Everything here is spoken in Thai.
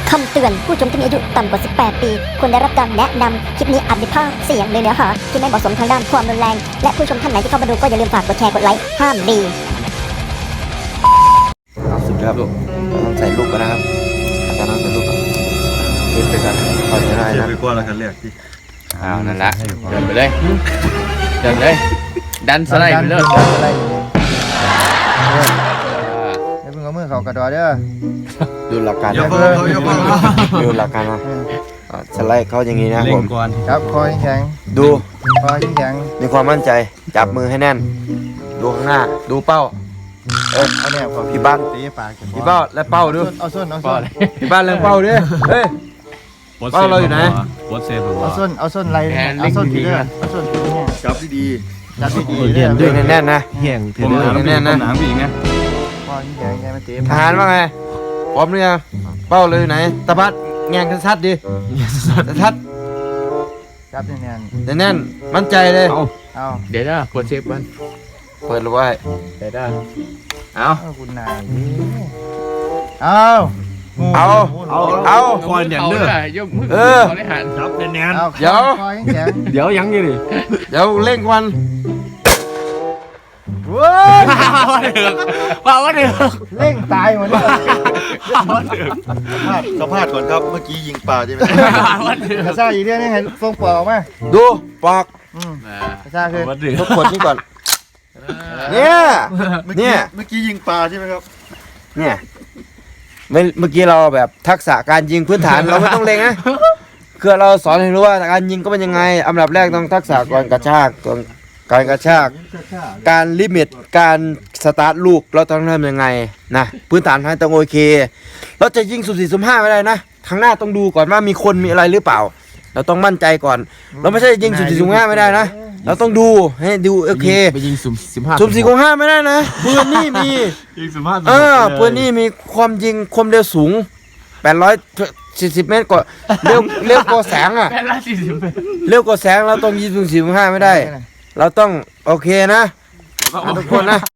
คำเตือนผู้ชมที่มีอายุต่ำกว่า 18 ปีควรได้รับการแนะนำ คลิปนี้อาจมีภาพเสียงหรือเนื้อหาที่ไม่เหมาะสมทางด้านความรุนแรง และผู้ชมท่านไหนที่เข้ามาดูก็อย่าลืมฝากกดแชร์กดไลค์ห้ามดีสุดครับลูกเราต้องใส่ลูกกันนะครับอาจารย์ต้องใส่ลูกก่อนขึ้นไปกันขอจะได้เดี๋ยนะวไปกลัวเรากันเรียกที่เอานั่นละเดินไปเลยเดินเลยดันสไลด์ไปเลยสไลด์เดี๋ยวเพิ่งเอามือเขากระดอเด้อดูหลักการอย่านะเพิ่งเขาอย่าเพิ่งเขาดูหลักการนะสไลด์เขาอย่างนี้นะเล่ผนมก่อนครับคอแข็งดูคอแข็งมีความมั่นใจจับมือให้แน่น ดูข้างหน้าดูเป้าเอาเนี่ยพอพี่บ้านตีปากกันพี่เป้าและเป้าดูเอาส้นเอาส้นพี่บ้านเรื่องเป้าด้วยเฮ้ย เป้าเราอยู่ไหนโพสเซฟหรือเอาว่าส้นไรเอาส้นทีเด้อเอาส้นทีเนี่ยจับดีจับดีๆเด้อดึงแน่นๆนะๆผมหนามบีผมหนามบีไงคอแข็งแค่มันตีทหารว่าไงพร้อมหรือยังเป้าเลยอยู่ไหนตะพัดแงงกันชัดดิชัดจับแน่นแน่นๆมั่นใจเลยๆเอาเดี๋ยวนะกดเซฟมันเปิดเลยไว้เดี๋ยวนะเอาเอาคุณนายเอาเอาคอยอย่างเด้อยกมือเขาได้หันจับแน่นเอาคอแข็งเดี๋ยวยังอยู่ดิเดี๋ยวเร่งวันว้าว่าเดือดเร่งตายหมดเลยสัมภาษณ์ก่อนครับเมื่อกี้ยิงปลาใช่ไหมกระซ่าอีกเรื่องนึงให้ฟงปอกออกมาดูปอกกระซ่าคือทุกคนนี่ก่อนเนี่ยเมื่อเนี่กี้ยเมื่อกี้ยิงปลาใช่ไหมครับเนี่ยเมื่อกี้เราแบบทักษะการยิงพื้นฐาน เราไม่ต้องเล็งนะคือเราสอนให้รู้ว่าการยิงก็เป็นยังไงอันดับแรกต้องทักษะก่อนกระชากก่อนการกระชาก การลิมิตการสตาร์ทลูกเราต้องทำยังไงนะพื้นฐานให้ต้องโอเค เราจะยิงสุ่มสี่สุ่มห้าไม่ได้นะข้างหน้าต้องดูก่อนว่ามีคนมีอะไรหรือเปล่า เราต้องมั่นใจก่อน เราไม่ใช่ยิงสุ่มสี่สุ่มห้าไม่ได้นะเราต้องดูให้ดูโอเคไปยิงสุ่ม15 สุ่มสี่สุ่มห้าไม่ได้นะปืนนี่มียิงสัมภาษณ์ปืนนี่มีความยิงความเร็วสูง840 เมตรกว่าเร็วกว่าแสงอ่ะ 840 เร็วกว่าแสงเราต้องยิงสุ่มสี่สุ่มห้าไม่ได้ เราต้องโอเคนะทุกคนนะ